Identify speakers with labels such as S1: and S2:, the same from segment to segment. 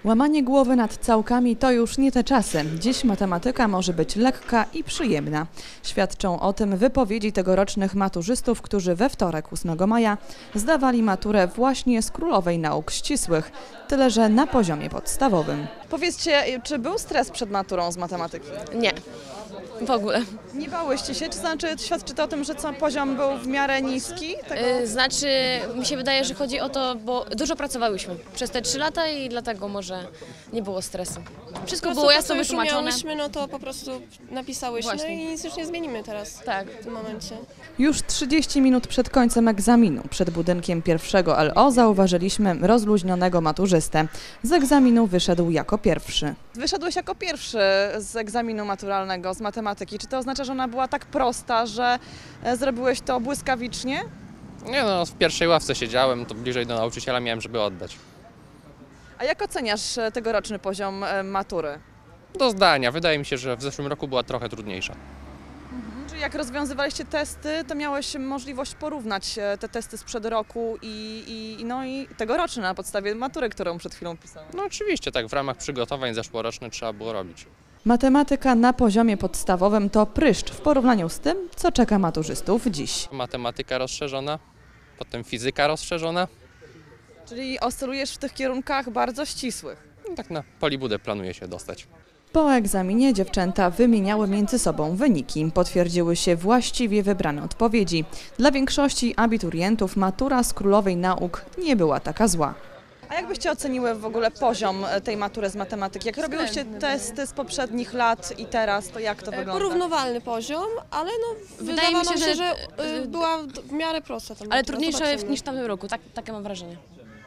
S1: Łamanie głowy nad całkami to już nie te czasy. Dziś matematyka może być lekka i przyjemna. Świadczą o tym wypowiedzi tegorocznych maturzystów, którzy we wtorek 8 maja zdawali maturę właśnie z Królowej Nauk Ścisłych, tyle że na poziomie podstawowym. Powiedzcie, czy był stres przed maturą z matematyki?
S2: Nie, w ogóle.
S1: Nie bałyście się? Czy znaczy świadczy to o tym, że poziom był w miarę niski?
S2: Znaczy, mi się wydaje, że chodzi o to, bo dużo pracowałyśmy przez te 3 lata i dlatego może nie było stresu. Wszystko było jasno wytłumaczone.
S3: Umiałyśmy, no to po prostu napisałyśmy
S2: Właśnie.
S3: i nic już nie zmienimy teraz.
S2: Tak.
S3: W tym momencie.
S1: Już 30 minut przed końcem egzaminu, przed budynkiem pierwszego LO, zauważyliśmy rozluźnionego maturzystę. Z egzaminu wyszedł jako pierwszy. Wyszedłeś jako pierwszy z egzaminu maturalnego z matematyki. Czy to oznacza, że ona była tak prosta, że zrobiłeś to błyskawicznie?
S4: Nie no, w pierwszej ławce siedziałem, to bliżej do nauczyciela miałem, żeby oddać.
S1: A jak oceniasz tegoroczny poziom matury?
S4: Do zdania. Wydaje mi się, że w zeszłym roku była trochę trudniejsza.
S1: Czyli jak rozwiązywaliście testy, to miałeś możliwość porównać te testy sprzed roku i tegoroczne na podstawie matury, którą przed chwilą pisałem.
S4: No oczywiście, tak w ramach przygotowań zeszłorocznych trzeba było robić.
S1: Matematyka na poziomie podstawowym to pryszcz w porównaniu z tym, co czeka maturzystów dziś.
S4: Matematyka rozszerzona, potem fizyka rozszerzona.
S1: Czyli oscylujesz w tych kierunkach bardzo ścisłych.
S4: No, tak na polibudę planuję się dostać.
S1: Po egzaminie dziewczęta wymieniały między sobą wyniki. Potwierdziły się właściwie wybrane odpowiedzi. Dla większości abiturientów matura z Królowej Nauk nie była taka zła. A jak byście oceniły w ogóle poziom tej matury z matematyki? Jak robiłyście testy z poprzednich lat i teraz, to jak to wygląda?
S3: Porównywalny poziom, ale no
S2: Wydaje mi się, że
S3: była w miarę prosta ta
S2: Ale
S3: matura.
S2: trudniejsze
S3: Zobaczymy.
S2: niż w tamtym roku, takie mam wrażenie.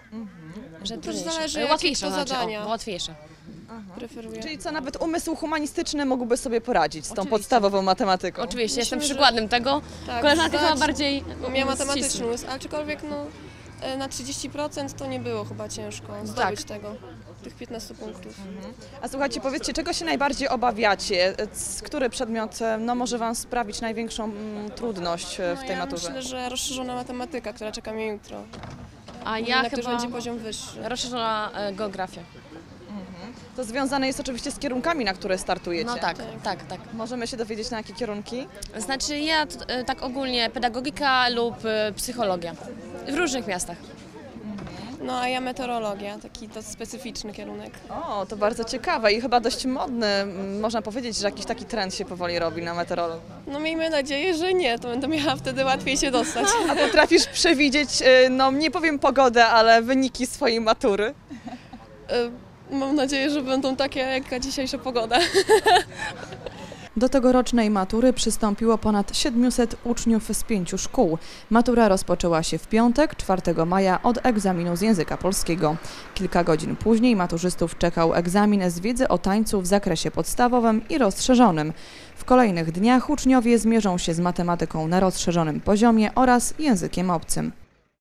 S2: Że trudniejsze.
S3: zależy, jakie
S2: Łatwiejsze,
S3: to
S2: znaczy,
S3: zadania.
S2: łatwiejsze.
S3: Preferuję.
S1: Czyli co, nawet umysł humanistyczny mógłby sobie poradzić z tą
S2: Oczywiście.
S1: podstawową matematyką?
S2: Oczywiście, jestem
S3: Myślę, że-
S2: przykładem tego.
S3: Tak,
S2: Koleżanka chyba
S3: zdać,
S2: bardziej
S3: Bo miała matematyczny
S2: ścisła.
S3: umysł, aczkolwiek no, na 30% to nie było chyba ciężko zdobyć
S2: Tak.
S3: tego, tych 15 punktów.
S1: A słuchajcie, powiedzcie, czego się najbardziej obawiacie? Który przedmiot może Wam sprawić największą trudność w tej
S3: ja
S1: maturze?
S3: myślę, że rozszerzona matematyka, która czeka mnie jutro.
S2: A
S3: Ja
S2: ja
S3: na którym
S2: chyba
S3: będzie poziom wyższy.
S2: rozszerzona geografia.
S1: To związane jest oczywiście z kierunkami, na które startujecie.
S2: No tak.
S1: Możemy się dowiedzieć, na jakie kierunki?
S2: Znaczy ja tak ogólnie pedagogika lub psychologia. W różnych miastach.
S3: No a ja meteorologia, taki to specyficzny kierunek.
S1: O, to bardzo ciekawe i chyba dość modny. Można powiedzieć, że jakiś taki trend się powoli robi na meteorologii.
S3: No miejmy nadzieję, że nie, to będę miała wtedy łatwiej się dostać.
S1: A potrafisz przewidzieć, no nie powiem pogodę, ale wyniki swojej matury?
S3: Mam nadzieję, że będą takie jak dzisiejsza pogoda.
S1: Do tegorocznej matury przystąpiło ponad 700 uczniów z 5 szkół. Matura rozpoczęła się w piątek, 4 maja, od egzaminu z języka polskiego. Kilka godzin później maturzystów czekał egzamin z wiedzy o tańcu w zakresie podstawowym i rozszerzonym. W kolejnych dniach uczniowie zmierzą się z matematyką na rozszerzonym poziomie oraz językiem obcym.